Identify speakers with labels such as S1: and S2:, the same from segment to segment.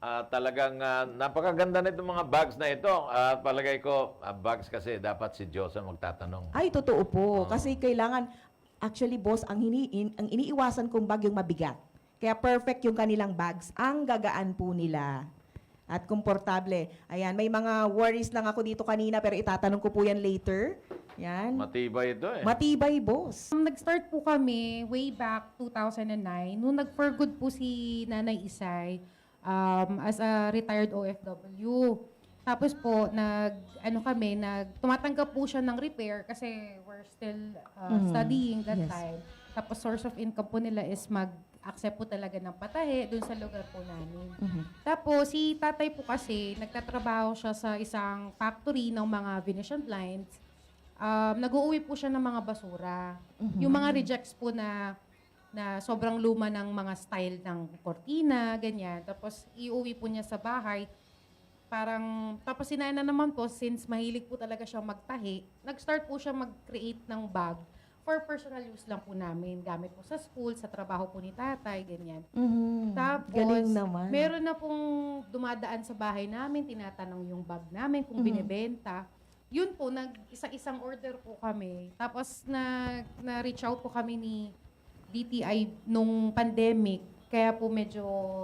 S1: Talagang napakaganda nitong mga bags na ito. Palagay ko, bags kasi dapat si Diyos ang magtatanong.
S2: Ay, totoo po. Kasi kailangan, actually, boss, ang iniiwasan kong bag yung mabigat. Kaya perfect yung kanilang bags. Ang gagaan po nila. At komportable. Ayan, may mga worries lang ako dito kanina, pero itatanong ko po yan later. Yan.
S1: Matibay ito eh.
S2: Matibay, boss.
S3: Nag-start po kami way back 2009. Nung nag-for good po si Nanay Isay as a retired OFW. Tapos po, tumatanggap po siya ng repair kasi we're still studying that
S2: Yes.
S3: time. Tapos source of income po nila is mag-accept po talaga ng patahe dun sa lugar po namin. Tapos si tatay po kasi, nagtatrabaho siya sa isang factory ng mga Venetian blinds. Nag-uuwi po siya ng mga basura. Yung mga rejects po na sobrang luma ng mga style ng kortina, ganyan. Tapos iuwi po niya sa bahay. Tapos si Nana naman po, since mahilig po talaga siya magtahi, nag-start po siya mag-create ng bag for personal use lang po namin. Gamit po sa school, sa trabaho po ni tatay, ganyan. Tapos,
S2: Galing naman.
S3: meron na pong dumadaan sa bahay namin, tinatanong yung bag namin kung binibenta. Yun po, isa-isang order po kami. Tapos na-reach out po kami ni DTI nung pandemic. Kaya po medyo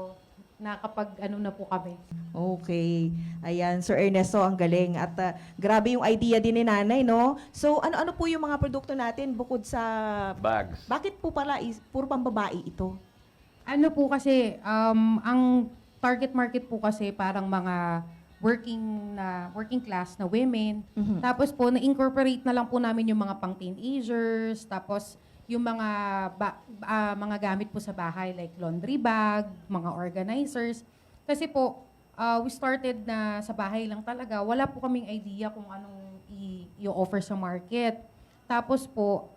S3: na po kami.
S2: Okay. Ayan, Sir Ernesto, ang galing. At grabe yung idea din ni Nanay, no? So, ano-ano po yung mga produkto natin bukod sa...
S1: Bags.
S2: Bakit po pala puro pambabae ito?
S3: Ano po kasi, ang target market po kasi parang mga working class na women. Tapos po, na-incorporate na lang po namin yung mga pang-teenagers. Tapos, yung mga gamit po sa bahay like laundry bag, mga organizers. Kasi po, we started na sa bahay lang talaga. Wala po kaming idea kung anong i-offer sa market. Tapos po,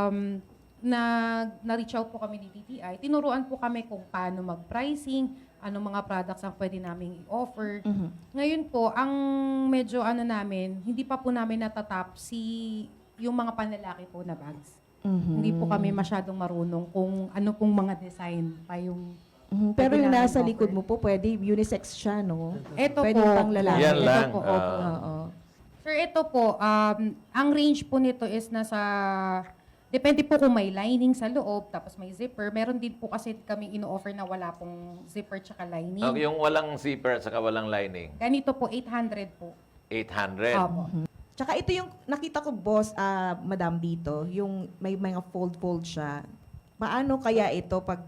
S3: na-reach out po kami ni DTI. Tinuruan po kami kung paano mag-pricing, anong mga products ang pwede naming i-offer. Ngayon po, ang medyo hindi pa po namin natatap yung mga panlalaki po na bags. Hindi po kami masyadong marunong kung ano pong mga design pa yung
S2: Pero
S3: pwede
S2: yung
S3: namin
S2: nasa
S3: offer.
S2: likod mo po, pwede unisex siya, no?
S3: Ito
S2: Pwede
S3: po.
S2: pang lalaki.
S1: Yan
S3: Ito
S1: lang.
S3: po, opo.
S2: Oo.
S3: Sir, ito po, ang range po nito is depende po kung may lining sa loob, tapos may zipper. Meron din po kasi kami ino-offer na wala pong zipper tsaka lining.
S1: Yung walang zipper at saka walang lining.
S3: Ganito po, 800 po.
S1: 800.
S3: Opo.
S2: Tsaka ito yung nakita ko, boss, madam dito, yung may mga fold-fold siya. Paano kaya ito pag...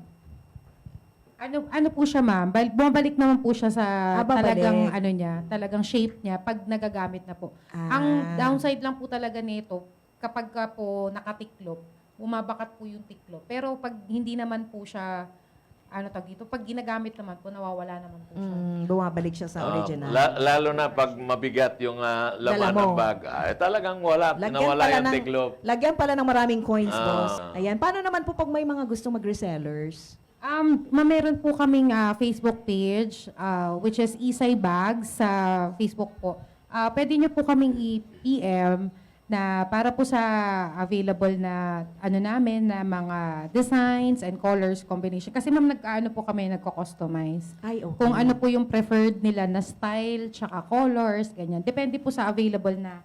S3: Ano po siya, ma'am? Bumabalik naman po siya sa
S2: babalik.
S3: talagang shape niya pag nagagamit na po.
S2: Ah.
S3: Ang downside lang po talaga nito, kapag ka po nakatiklop, bumabakat po yung tiklop. Pero pag hindi naman po siya, pag ginagamit naman po, nawawala naman po siya.
S2: Bumabalik siya sa original.
S1: Lalo na pag mabigat yung
S2: Dala
S1: laman
S2: mo.
S1: ng bag. Talagang nawala yung tiklop.
S2: Lagyan pala ng maraming coins,
S1: Ah.
S2: boss. Ayan. Paano naman po pag may mga gustong mag-resellers?
S3: Meron po kaming Facebook page, which is Isay Bags sa Facebook po. Pwede nyo po kaming i-PM na para po sa available na namin na mga designs and colors combination. Kasi ma'am, nagko-customize.
S2: Ay, okay.
S3: Kung ano po yung preferred nila na style, tsaka colors, ganyan. Depende po sa available na.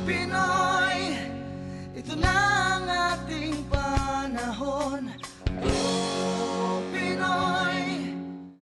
S4: Pinoy, ito na ang ating panahon.